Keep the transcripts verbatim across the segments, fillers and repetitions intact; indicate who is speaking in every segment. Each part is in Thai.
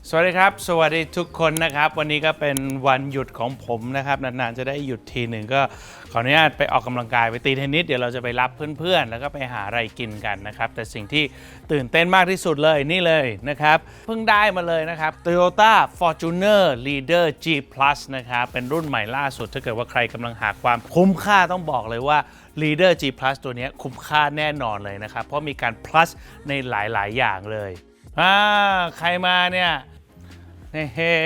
Speaker 1: สวัสดีครับสวัสดีทุกคนนะครับวันนี้ก็เป็นวันหยุดของผมนะครับนานๆจะได้หยุดทีหนึ่งก็ขออนุญาตไปออกกำลังกายไปตีเทนนิสเดี๋ยวเราจะไปรับเพื่อนๆแล้วก็ไปหาอะไรกินกันนะครับแต่สิ่งที่ตื่นเต้นมากที่สุดเลยนี่เลยนะครับเพิ่งได้มาเลยนะครับ Toyota Fortuner Leader G Plus นะครับเป็นรุ่นใหม่ล่าสุดถ้าเกิดว่าใครกำลังหาความคุ้มค่าต้องบอกเลยว่า Leader G Plus ตัวนี้คุ้มค่าแน่นอนเลยนะครับเพราะมีการ plus ในหลายๆอย่างเลยอ่าใครมาเนี่ยเฮ้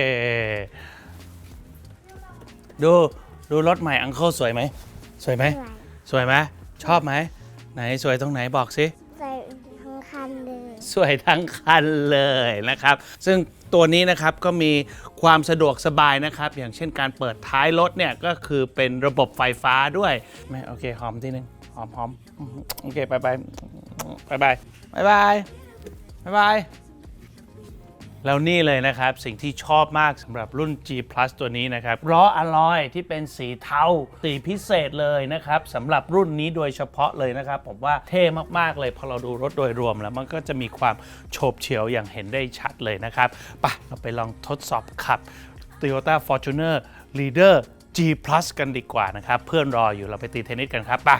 Speaker 1: ดูดูรถใหม่อังเคิลสวยไหมสวยไหมสวยไหมชอบไหมไหนสวยตรงไหนบอกสิ
Speaker 2: สวยทั้งคันเลย
Speaker 1: สวยทั้งคันเลยนะครับซึ่งตัวนี้นะครับก็มีความสะดวกสบายนะครับอย่างเช่นการเปิดท้ายรถเนี่ยก็คือเป็นระบบไฟฟ้าด้วยไม่โอเคหอมทีนึงหอมหอมโอเคไปไปไปไปไปไปไปไปแล้วนี่เลยนะครับสิ่งที่ชอบมากสำหรับรุ่น G Plus ตัวนี้นะครับล้ออะลอยที่เป็นสีเทาสีพิเศษเลยนะครับสำหรับรุ่นนี้โดยเฉพาะเลยนะครับผมว่าเท่มากๆเลยพอเราดูรถโดยรวมแล้วมันก็จะมีความโฉบเฉี่ยวอย่างเห็นได้ชัดเลยนะครับไปเราไปลองทดสอบขับ Toyota Fortuner Leader G Plus กันดีกว่านะครับเพื่อนรออยู่เราไปตีเทนนิสกันครับไป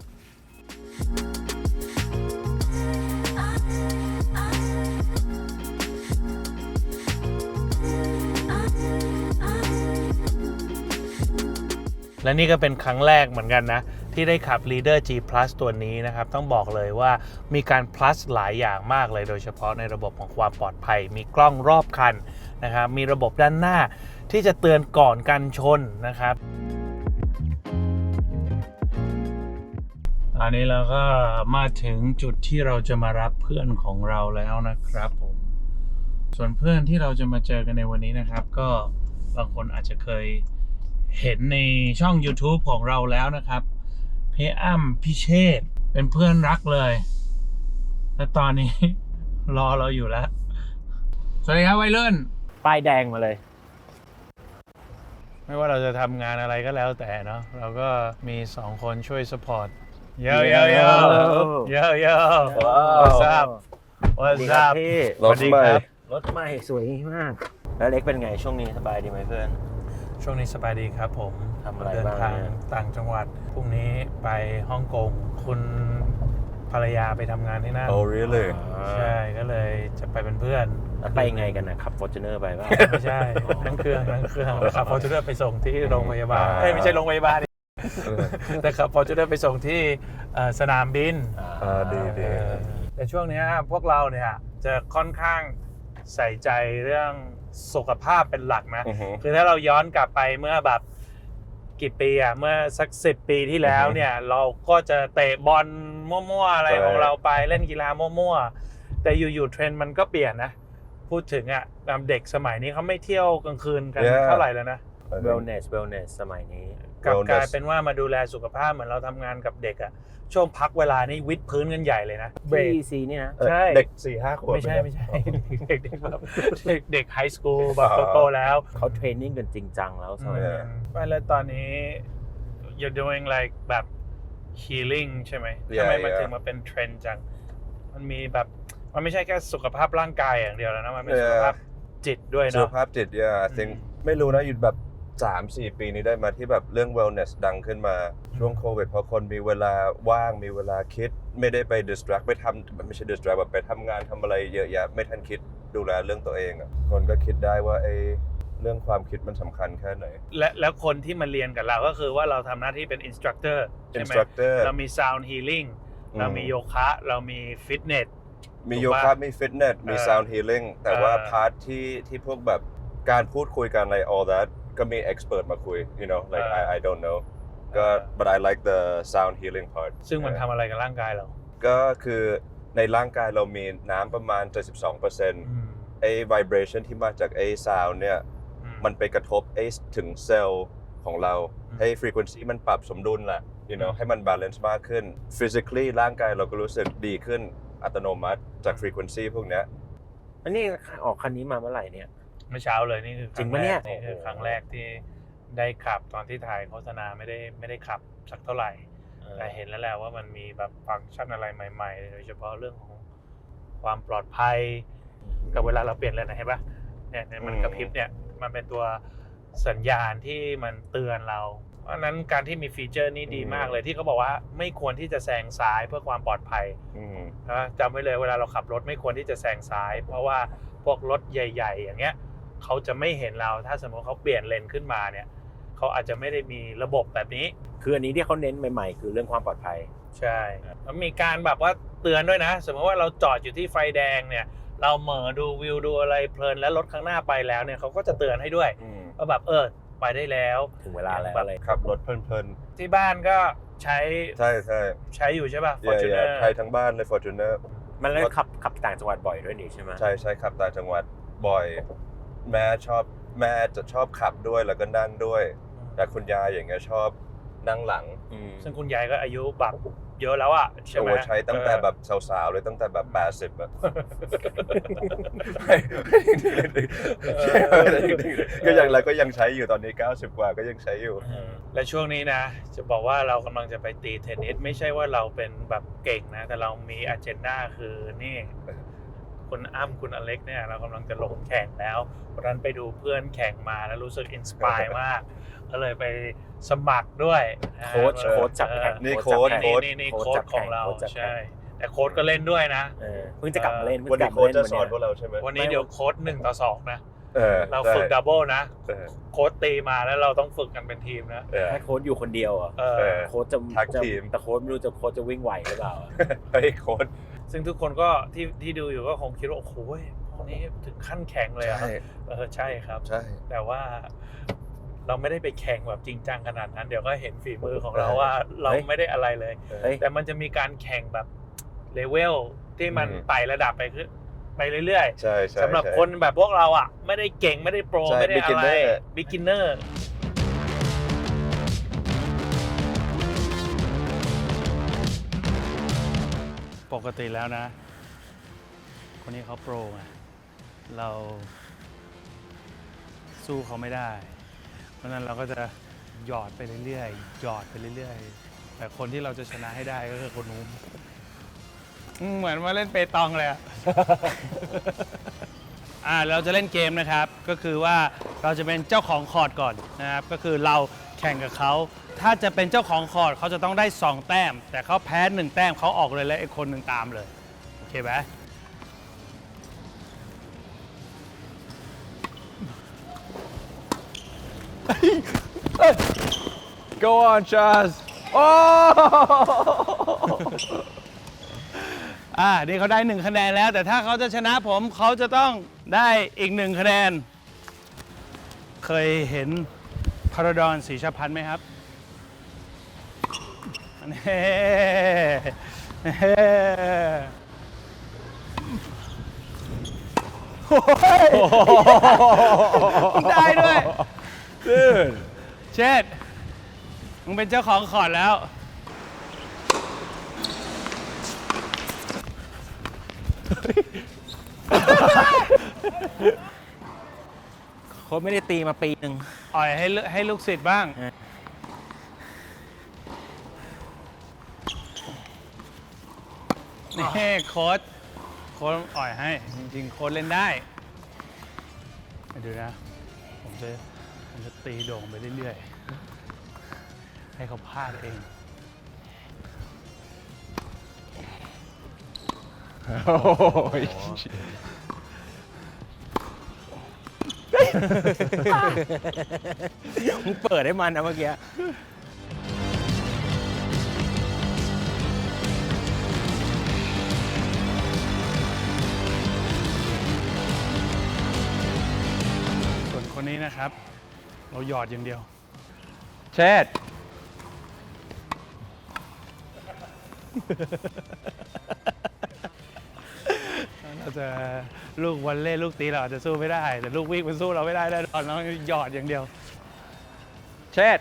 Speaker 1: และนี่ก็เป็นครั้งแรกเหมือนกันนะที่ได้ขับ Leader G Plus ตัวนี้นะครับต้องบอกเลยว่ามีการ plus หลายอย่างมากเลยโดยเฉพาะในระบบของความปลอดภัยมีกล้องรอบคันนะครับมีระบบด้านหน้าที่จะเตือนก่อนการชนนะครับตอนนี้เราก็มาถึงจุดที่เราจะมารับเพื่อนของเราแล้วนะครับผมส่วนเพื่อนที่เราจะมาเจอกันในวันนี้นะครับก็บางคนอาจจะเคยเห็นในช่อง YouTube ของเราแล้วนะครับพี่อ้ำพี่เชษฐ์เป็นเพื่อนรักเลยและตอนนี้ รอเราอยู่แล้วสวัสดีครับวัยรุ่น
Speaker 3: ป้ายแดงมาเลย
Speaker 1: ไม่ว่าเราจะทำงานอะไรก็แล้วแต่เนาะเราก็มีสองคนช่วยสปอร์ตเยอะเยอะเยอะเยอะเยอะ What's up What's up
Speaker 3: รถใหม่รถใหม่สวยมากแล้วเล็กเป็นไงช่วงนี้สบายดีไหมเพื่อน
Speaker 1: ช่วงนี้สบายดีครับผม
Speaker 3: ทำอะไร
Speaker 1: เดิน
Speaker 3: บ้าง
Speaker 1: ทางต่างจังหวัดพรุ่งนี้ไปฮ่องกงคุณภรรยาไปทำงานที่นั่น
Speaker 4: Oh really
Speaker 1: ใช่ก็เลยจะไปเป็นเพื่อน
Speaker 3: แล้วไปไงกันนะขับ Fortuner ไปป่ะ
Speaker 1: ไม่ใช่นั่งเครื่องนั่งเครื่องขับ Fortuner ไปส่งที่โรงพยาบาลเอ้ยไม่ใช่โรงพยาบาลแต่ขับ Fortuner ไปส่งที่สนามบิน
Speaker 4: อ่าดีดี
Speaker 1: แต่ช่วงนี้พวกเราเนี่ยจะค่อนข้างใส่ใจเรื่องสุขภาพเป็นหลักนะคือถ้าเราย้อนกลับไปเมื่อแบบกี่ปีอะเมื่อสักสิบปีที่แล้วเนี่ยเราก็จะเตะบอลมั่วๆอะไรของเราไปเล่นกีฬามั่วๆแต่อยู่ๆเทรนด์มันก็เปลี่ยนนะพูดถึงอะเด็กสมัยนี้เขาไม่เที่ยวกลางคืนกันเท่าไหร่แล้วนะ
Speaker 3: wellness wellness สมัยนี้
Speaker 1: กลับกลายเป็นว่ามาดูแลสุขภาพเหมือนเราทำงานกับเด็กอะช่วงพักเวลานี่วิดพื้นกันใหญ่เลยนะ
Speaker 3: เบรกซีนี่นะ
Speaker 1: ใช่
Speaker 4: เด็กสี่ห้าขวบ
Speaker 1: ไม่ใช่ไม่ใช่เด็กเด็กแบบเด็กเด็กไฮสคูลแบบโตๆแล้ว
Speaker 3: เขาเทรนนิ่งกันจริงจังแล้วสมัยนี้
Speaker 1: ไม่แล้วตอนนี้ you're doing like แบบ healing ใช่ไหมทำไมมันถึงมาเป็นเทรนด์จังมันมีแบบมันไม่ใช่แค่สุขภาพร่างกายอย่างเดียวแล้วนะมันเป็นสุขภาพจิตด้วยเนาะ
Speaker 4: สุขภาพจิต yeah I think ไม่รู้นะอยู่แบบสามสี่ ปีนี้ได้มาที่แบบเรื่อง wellness ดังขึ้นมาช่วงโควิดพอคนมีเวลาว่างมีเวลาคิดไม่ได้ไป distract ไปทำไม่ใช่ distract แบบไปทำงานทำอะไรเยอะแยะไม่ทันคิดดูแลเรื่องตัวเองอ่ะคนก็คิดได้ว่าไอ้เรื่องความคิดมันสำคัญแค่ไหน
Speaker 1: และแล้วคนที่มาเรียนกับเราก็คือว่าเราทำหน้าที่เป็น instructor ใช่ไหม
Speaker 4: instructor
Speaker 1: เรามี sound healing เรามีโยคะเรามีฟิตเนส
Speaker 4: มีโยคะมีฟิตเนสมี sound healing แต่ว่าพาร์ทที่ที่พวกแบบการพูดคุยกันอะไร all thatก็มี expert มาคุย you know like I I don't know ก็ but I like the sound healing part
Speaker 1: ซึ่งมันทำอะไรกับร่างกายเรา
Speaker 4: ก็คือในร่างกายเรามีน้ำประมาณ เจ็ดสิบสองเปอร์เซ็นต์ ไอ้ vibration ที่มาจากไอ้ sound เนี่ยมันไปกระทบไอ้ถึงเซลล์ของเราให้ frequency มันปรับสมดุลแหละ you know ให้มัน balance มากขึ้น physically ร่างกายเราก็รู้สึกดีขึ้นอัตโนมัติจาก frequency พวกนี้
Speaker 3: อันนี้ออกคันนี้มาเมื่อไหร่เนี่ย
Speaker 1: เมื่อเช้าเลยนี่คือ
Speaker 3: จริงปะเนี่ย
Speaker 1: นี่คือครั้งแรกที่ได้ขับตอนที่ถ่ายโฆษณาไม่ได้ไม่ได้ขับสักเท่าไหร่แต่เห็นแล้วแหละว่ามันมีแบบฟังก์ชันอะไรใหม่ๆโดยเฉพาะเรื่องของความปลอดภัยกับเวลาเราเปลี่ยนเลนนะเห็นปะเนี่ยเนี่ยมันกระพริบเนี่ยมันเป็นตัวสัญญาณที่มันเตือนเราเพราะฉะนั้นการที่มีฟีเจอร์นี้ดีมากเลยที่เขาบอกว่าไม่ควรที่จะแซงซ้ายเพื่อความปลอดภัย
Speaker 4: อืม
Speaker 1: นะจำไว้เลยเวลาเราขับรถไม่ควรที่จะแซงซ้าย เพราะว่าพวกรถใหญ่ ๆ อย่างเงี้ยเขาจะไม่เห็นเราถ้าสมมติเขาเปลี่ยนเลนขึ้นมาเนี่ยเขาอาจจะไม่ได้มีระบบแบบนี้
Speaker 3: คืออันนี้ที่เขาเน้นใหม่ๆ คือเรื่องความปลอดภัย
Speaker 1: ใช่แล้วมีการแบบว่าเตือนด้วยนะ สมมติว่าเราจอดอยู่ที่ไฟแดงเนี่ยเราเหม่อดูวิวดูอะไรเพลินแล้วรถข้างหน้าไปแล้วเนี่ยเขาก็จะเตือนให้ด้วย
Speaker 4: อืม
Speaker 1: ว่าแบบเออไปได้แล้ว
Speaker 3: ถึงเวลาแล้ว
Speaker 1: แบบ
Speaker 3: อะไร
Speaker 4: ขับรถเพลิน
Speaker 1: ที่บ้านก็ใช้
Speaker 4: ๆ ใช่ใช่
Speaker 1: ใช้อยู่ใช่ป่ะ
Speaker 4: เย่
Speaker 1: Fortuner
Speaker 4: ๆไทยทั้งบ้านใน Fortuner
Speaker 3: มันเลยขับขับต่างจังหวัดบ่อยด้วยนี่ใช่ไหม
Speaker 4: ใช่ใช่ขับต่างจังหวัดบ่อย แม่ชอบแม่จะชอบขับด้วยแล้วก็นั่งด้วย แต่คุณยายอย่างเงี้ยชอบนั่งหลัง
Speaker 3: อืม
Speaker 1: ซึ่งคุณยายก็อายุแบบเยอะแล้วอะใช่
Speaker 4: โอ้
Speaker 1: ไหม
Speaker 4: ใช้ตั้งแต่แบบสาวๆเลยตั้งแต่แบบแปดสิบอะก็ยังแล้วก็ยังใช้อยู่ตอนนี้เก้าสิบกว่าก็ยังใช้อยู่
Speaker 1: และช่วงนี้นะ จะบอกว่าเรากำลังจะไปตีเทนนิสไม่ใช่ว่าเราเป็นแบบเก่งนะ แต่เรามีอ g e n d a คือนี่ คุณอ้ำคุณอเล็กเนี่ยเรากำลังจะลงแข่งแล้ววันนั้นไปดูเพื่อนแข่งมาแล้วรู้สึกอินสปายมาก ก็เลยไปสมัครด้วยนะ
Speaker 3: โค้ชโค้ชจับแข่ง
Speaker 4: นี่
Speaker 3: จับ
Speaker 4: โค้ช
Speaker 3: แข่ง
Speaker 1: นี่นี่นี่โค้ชของเรา
Speaker 3: โค้ชจับแข่ง
Speaker 1: ใช่ แต่โค้ชก็เล่นด้วยนะ
Speaker 3: เออเพิ่งจะกลับมาเล่น
Speaker 4: วันนี้โค้ชจะสอนพวกเราใช่ไหม
Speaker 1: วันนี้เดี๋ยวโค้ชหนึ่งต่อสองนะ
Speaker 4: เออ
Speaker 1: เราฝึกดับเบิลนะ
Speaker 4: เออ
Speaker 1: โค้ชตีมาแล้วเราต้องฝึกกันเป็นทีมนะ
Speaker 4: เออ
Speaker 3: ให้โค้ชอยู่คนเดียวอ่ะ
Speaker 1: เอ
Speaker 4: เอ
Speaker 1: อ
Speaker 4: อ
Speaker 3: โค้ชจะ
Speaker 4: ทัก
Speaker 3: จะ
Speaker 4: ทีม
Speaker 3: แต่โค้ชไม่รู้จะโค้ชจะวิ่งไหวหรือเปล่าอะ
Speaker 4: เฮ้ยโค้ช
Speaker 1: ซึ่งทุกคนก็ที่ที่ดูอยู่ก็คงคิดว่าโอ้โหพวกนี้ถึงขั้นแข่งเลยเหรอ่ะ
Speaker 4: ใช่
Speaker 1: เออใช่ครับ
Speaker 4: ใช่
Speaker 1: แต่ว่าเราไม่ได้ไปแข่งแบบจริงจังขนาดนั้น เดี๋ยวก็เห็นฝีมือของเราว่าเราไม่ได้อะไรเลย
Speaker 3: เฮ้ย
Speaker 1: แต่มันจะมีการแข่งแบบเลเวลที่มัน
Speaker 4: อืม
Speaker 1: ไต่ระดับไปขึ้นไปเรื่อย
Speaker 4: ใช่ใช่
Speaker 1: ๆสำหรับ
Speaker 4: ใช่
Speaker 1: คนแบบพวกเราอ่ะ ไม่ได้เก่งไม่ได้โปร
Speaker 4: ใช่
Speaker 1: ไม่ได้อะไร
Speaker 4: beginner
Speaker 1: บิ๊กินเนอร์ปกติแล้วนะ คนนี้เขาโปรไงเราสู้เขาไม่ได้ เพราะฉะนั้นเราก็จะหยอดไปเรื่อยๆหยอดไปเรื่อยๆแต่คนที่เราจะชนะให้ได้ก็คือคนนู้นอืมเหมือนมาเล่นเปตองเลยอะ อ่าเราจะเล่นเกมนะครับ ก็คือว่าเราจะเป็นเจ้าของคอร์ดก่อนนะครับ ก็คือเราแข่งกับเขา ถ้าจะเป็นเจ้าของคอร์ดเขาจะต้องได้สองแต้ม แต่เขาแพ้หนึ่งแต้มเขาออกเลยและไอ้คนหนึ่งตามเลย โอเคไหม
Speaker 5: Go on, Chaz. Oh!
Speaker 1: อ่านี่เขาได้หนึ่งคะแนนแล้ว แต่ถ้าเขาจะชนะผมเขาจะต้องได้อีกหนึ่งคะแนน เคยเห็นพาราดอนศรีชพันธ์ไหมครับนี่โอ้ยได้ด้วย
Speaker 5: Dude.
Speaker 1: เชษฐ์มึงเป็นเจ้าของคอร์ดแล้ว
Speaker 3: โค้ชไม่ได้ตีมาปีหนึ่ง
Speaker 1: อ่อยให้ลูให้ลูกศิษย์บ้าง
Speaker 3: เออ
Speaker 1: นี่โค้ชโค้ชอ่อยให้ จริงๆ โค้ชเล่นได้ดูนะ ผมจะผมจะตีโด่งไปเรื่อยๆ ให้เขาพลาดเอง
Speaker 5: Oh, shit.
Speaker 3: มึงเปิดให้มันนะเมื่อกี้
Speaker 1: ส่วนคนนี้นะครับ เราหยอดอย่างเดียว
Speaker 5: Chad.
Speaker 1: เราจะลูกวอลเล่ลูกตีเราอาจจะสู้ไม่ได้ แต่ลูกวิ่งมันสู้เราไม่ได้แน่นอนเราหยอดอย่างเดียว
Speaker 5: Chad.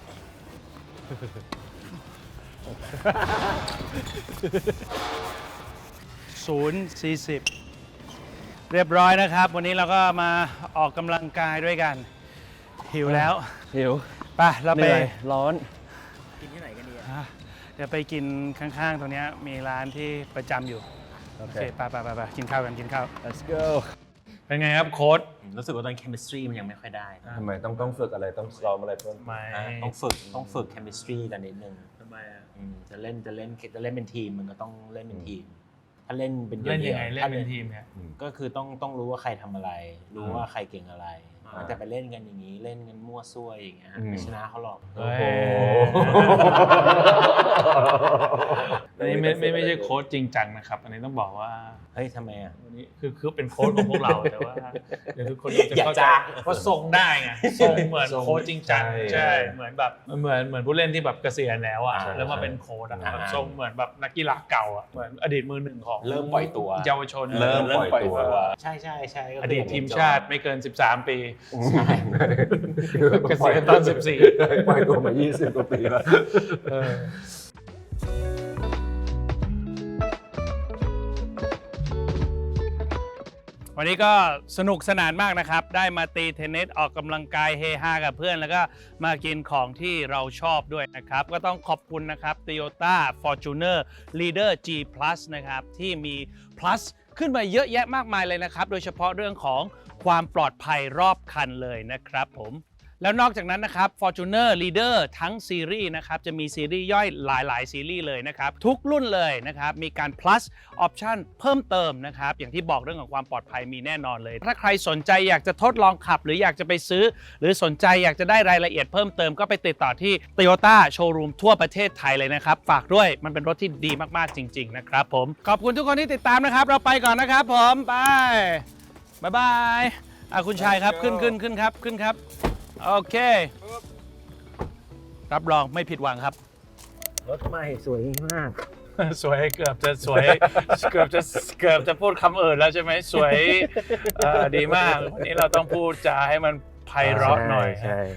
Speaker 1: ศูนย์สี่สิบเรียบร้อยนะครับ วันนี้เราก็มาออกกำลังกายด้วยกัน หิวแล้ว
Speaker 5: หิว
Speaker 1: ไปเรา
Speaker 5: เห
Speaker 1: ไป
Speaker 5: นื่อยร้อน
Speaker 3: กินที่ไหนกันดีอะ
Speaker 1: อ่ะเดี๋ยวไปกินข้างๆ ตรงเนี้ยมีร้านที่ประจำอยู่โอเคไปไปไปไปกินข้าวกันกินข้าว
Speaker 5: let's go
Speaker 1: เป็นไงครับโค้ด
Speaker 3: รู้สึกว่าตอน chemistry มันยังไม่ค่อยได้
Speaker 4: ทำไมต้องต้องฝึกอะไรต้องซ้อมอะไรเพิ่ม
Speaker 1: ไม่
Speaker 3: อ่ะต้องฝึกต้องฝึก chemistry กันนิดนึง
Speaker 1: ทำไมอ่ะ
Speaker 3: อืมจะเล่นจะเล่นจะเล่นเป็นทีมมันก็ต้องเล่นเป็นทีม ถ้าเล่นเป็นดี่วๆ
Speaker 1: เล่นยังไงเล่น
Speaker 3: ถ้า
Speaker 1: เป็นทีมเนี่ย
Speaker 3: ก็คือต้องต้องรู้ว่าใครทำอะไร รู้
Speaker 4: อืม
Speaker 3: ว่าใครเก่งอะไร
Speaker 1: อ่า
Speaker 3: แต่ไปเล่นกันอย่างนี้เล่นกันมั่วซั่วอย่างเงี้ย
Speaker 4: อืม
Speaker 3: ไม่ชนะเขาหรอก
Speaker 1: เฮ้ยอันนี้ไม่ไม่ไม่ใช่โค้ดจริงจังนะครับ อันนี้ต้องบอกว่า
Speaker 3: เฮ้ยทำไมอ่ะ
Speaker 1: อันนี้คือคือเป็นโค้ดของพวกเราแต่ว่าเดี๋ยวทุกคนจะเข้าใจ
Speaker 3: อย่าจ้า
Speaker 1: ว่าทรงได้ไงทรงเหมือนโค้ดจริงจัง
Speaker 4: ใช่
Speaker 1: ใช่เหมือนแบบเหมือนเหมือนผู้เล่นที่แบบเกษียณแล้วอ่ะ
Speaker 3: อ่า
Speaker 1: แล้วมาเป็นโค้ดอ่ะ
Speaker 3: อ่า
Speaker 1: แบบทรงเหมือนแบบนักกีฬาเก่าอ่ะเหมือนอดีตมือหนึ่งของ
Speaker 3: เริ่มปล่อยตัว
Speaker 1: เยาวชน
Speaker 4: เริ่มปล่อยตัว
Speaker 3: ใช่ใช่ใช่ก็
Speaker 1: อ
Speaker 3: คื
Speaker 1: ดีตทีมชาติไม่เกินสิบสามปี
Speaker 3: ใช่
Speaker 1: เกษียณตอนสิบสี่
Speaker 4: ปล่อยตัวมายี่สิบกว่าปีแล้ว
Speaker 1: วันนี้ก็สนุกสนานมากนะครับ ได้มาตีเทนนิสออกกำลังกายเฮฮากับเพื่อน แล้วก็มากินของที่เราชอบด้วยนะครับ ก็ต้องขอบคุณนะครับ Toyota Fortuner Leader G Plus นะครับ ที่มี plus ขึ้นมาเยอะแยะมากมายเลยนะครับ โดยเฉพาะเรื่องของความปลอดภัยรอบคันเลยนะครับผม แล้วนอกจากนั้นนะครับ Fortuner Leader ทั้งซีรีส์นะครับจะมีซีรีส์ย่อยหลายๆซีรีส์เลยนะครับทุกรุ่นเลยนะครับมีการ plus option เพิ่มเติมนะครับอย่างที่บอกเรื่องของความปลอดภัยมีแน่นอนเลย ถ้าใครสนใจอยากจะทดลองขับ หรืออยากจะไปซื้อ หรือสนใจอยากจะได้รายละเอียดเพิ่มเติมก็ไปติดต่อที่ Toyota Showroom ทั่วประเทศไทยเลยนะครับฝากด้วยมันเป็นรถที่ดีมากๆจริงๆนะครับผมขอบคุณทุกคนที่ติดตามนะครับเราไปก่อนนะครับผมไปบ๊ายบายอ่ะคุณชายครับขึ้นขึ้นขึ้นครับขึ้นครับโอเค รับรองไม่ผิดหวังครับ
Speaker 3: รถใหม่สวยมาก
Speaker 1: สวยเกือบจะสวย เกือบจะเกือบจะพูดคำอื่นแล้วใช่ไหมสวยเอ่อดีมาก วันนี้เราต้องพูดจาให้มันไพเราะหน่อย
Speaker 3: ใช่